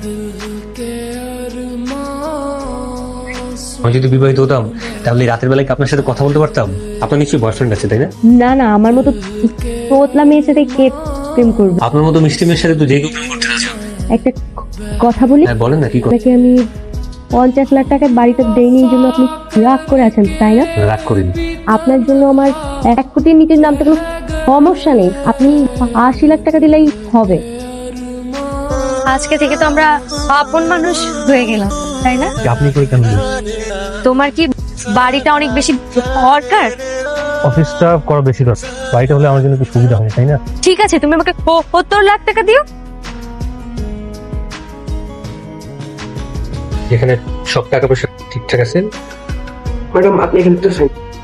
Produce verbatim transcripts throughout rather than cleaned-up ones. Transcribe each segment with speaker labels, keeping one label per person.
Speaker 1: আমি যদি বিবাহিত হতাম তাহলে রাতের বেলায় কি আপনার সাথে কথা বলতে পারতাম? আপনার নিশ্চয়ই বয়ফ্রেন্ড আছে, তাই না?
Speaker 2: না না, আমার মতো তোতলা মেয়ের সাথে কে প্রেম করবে?
Speaker 1: আপনার মতো মিষ্টি মেয়ের সাথে তো যে কেউ প্রেম করতে রাজি হবে।
Speaker 2: একটা কথা বলি,
Speaker 1: হ্যাঁ বলেন না, কি কথা?
Speaker 2: আপনাকে আমি পঞ্চাশ লাখ টাকার বাড়িটা দেয়নি, এই জন্য আপনি রাগ করে আছেন, তাই না?
Speaker 1: রাগ করিনি।
Speaker 2: আপনার জন্য আমার এক কোটির নিচের নামটা কোনো সমস্যা নেই, আপনি আশি লাখ টাকা দিলেই হবে।
Speaker 3: আজকে থেকে তো আমরা আপন মানুষ হয়ে গেলাম, তাই না?
Speaker 1: আপনি করে কেন?
Speaker 3: তোমার কি বাড়িটা অনেক বেশি দরকার?
Speaker 1: অফিসটা করা বেশি দরকার, বাড়িটা হলে আমার জন্য কি সুবিধা হয়, তাই না?
Speaker 3: ঠিক আছে, তুমি আমাকে সত্তর লাখ টাকা দিও।
Speaker 1: যেখানে সব টাকা পয়সা ঠিকঠাক আছে। ম্যাডাম আপনি এখানে তো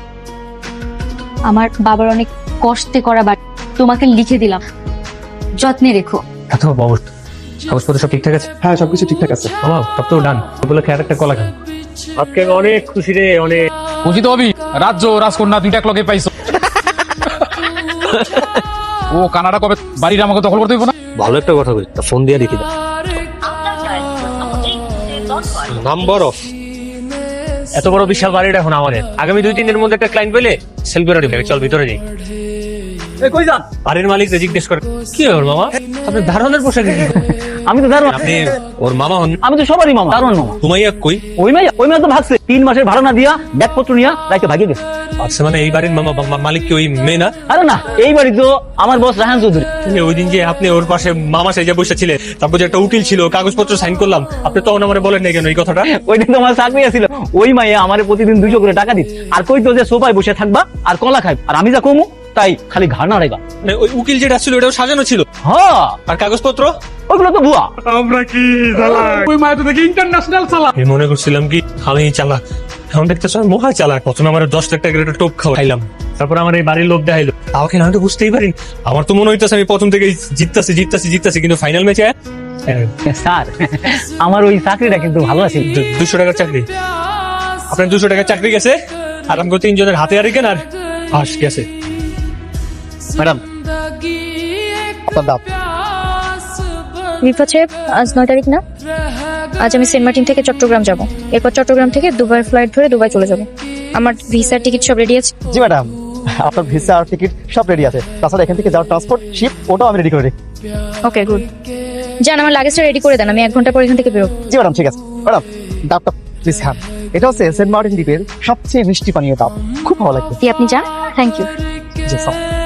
Speaker 3: আমার বাবার অনেক কষ্টে করা বাড়ি, তোমাকে লিখে দিলাম, যত্নে রেখো।
Speaker 1: এত অবস্থা কাগজপত্র সব ঠিকঠাক আছে?
Speaker 4: হ্যাঁ সবকিছু ঠিকঠাক আছে।
Speaker 1: বাবা সব তো ডান, বলে খেয়াল একটা কলা খান। আজকে আমি অনেক খুশি রে, অনেক
Speaker 5: খুশি তো হবি। রাজ্য রাজকন্যা দুইটা এক লগে পাইছো। ও কানাডা কবে বাড়ির আমাকে দখল করতে হইব না?
Speaker 1: ভালো একটা কথা বলি, তা ফোন দিয়ে রেখে দাও। নাম্বার অফ এত বড় বিশাল বাড়িটা এখন আমাদের। আগামী দুই তিন দিনের মধ্যে একটা ক্লায়েন্ট পেলে সেল করে দিবে। চল ভিতরে যাই।
Speaker 4: কই যান?
Speaker 1: বাড়ির মালিক জিজ্ঞেস করে, কি ওর মামা আপনি দারোয়ানের পোশাকে?
Speaker 4: আমি তো দারোয়ান।
Speaker 1: আপনি ওর মামা হন?
Speaker 4: আমি তো সবারই মামা, দারোয়ান মামা।
Speaker 1: ঘুমাইয়া কই?
Speaker 4: ওই মাইয়া ওই মাইয়া তো ভাগছে, তিন মাসের ভাড়া না দিয়া ব্যাগপত্র নিয়া রাইতে ভাগিয়ে গেছে।
Speaker 1: আচ্ছা মানে এই বাড়ির মামা মা- মালিক কি ওই মেয়ে না?
Speaker 4: আরে না, এই বাড়ি তো আমার বস রাহান চৌধুরী।
Speaker 1: ওই দিন যে আপনি ওর পাশে মামা সেজে বসে ছিলেন, তারপর যে একটা উকিল ছিল, কাগজপত্র সাইন করলাম, আপনি তখন আমার বলেন নাই কেন এই কথাটা?
Speaker 4: ওইটা তো আমার চাকরি আছিল। ওই মাইয়া আমারে প্রতিদিন দুইশো করে টাকা দিত, আর কই তো যে সোফায় বসে থাকবা আর কলা খাইব, আর আমি যা কমু তাই খালি ঘাড় নাড়াইবা।
Speaker 1: মানে ওই উকিল যেটা ছিল ওটাও সাজানো ছিল,
Speaker 4: হ্যাঁ
Speaker 1: আর কাগজপত্র
Speaker 4: ওইগুলো তো ভুয়া।
Speaker 5: আমরা কি ওই মায়ের তো দেখি ইন্টারন্যাশনাল চালাক।
Speaker 1: আমি মনে করছিলাম কি আমি চালাক, এখন দেখতেছ আমি মহা চালাক। প্রথমে আমার দশ লাখ টাকার একটা টোপ খাওয়াইলাম, তারপর আমার এই বাড়ির লোক দেখাইলো, তাও কেন আমি তো বুঝতেই পারি। আমার তো মনে হইতেছে আমি প্রথম থেকে জিততাছি জিততাছি জিততাছি, কিন্তু ফাইনাল ম্যাচে
Speaker 4: স্যার আমার ওই চাকরিটা কিন্তু ভালো আছে।
Speaker 1: দুশো টাকার চাকরি, আপনার দুশো টাকার চাকরি গেছে, আর আমাকে তিনজনের হাতে আর কেন আর হাস গেছে।
Speaker 4: ম্যাডাম আপনার দাম।
Speaker 3: রিফাত সাহেব, আজ নয় তারিখ না? আজ আমি সেন্ট মার্টিন থেকে চট্টগ্রাম যাব, এরপর চট্টগ্রাম থেকে দুবাই ফ্লাইট ধরে দুবাই চলে যাব। আমার ভিসার টিকিট সব রেডি আছে।
Speaker 6: জি ম্যাডাম, আপনার ভিসা আর টিকিট সব রেডি আছে। তাছাড়া এখান থেকে যাওয়ার ট্রান্সপোর্ট শিপ ওটাও আমি রেডি করে রেখি।
Speaker 3: Okay good. যান, আমার লাগেজটা রেডি করে দেন, আমি এক ঘন্টা পর এখান থেকে বেরোবো।
Speaker 6: জি ম্যাডাম ঠিক আছে। ম্যাডাম ডাবটা প্লিজ খান, এটা হচ্ছে সেন্ট মার্টিন দ্বীপের সবচেয়ে মিষ্টি পানীয় ডাব, খুব ভালো লাগবে।
Speaker 3: জি আপনি যান, থ্যাংক ইউ।
Speaker 6: G sir.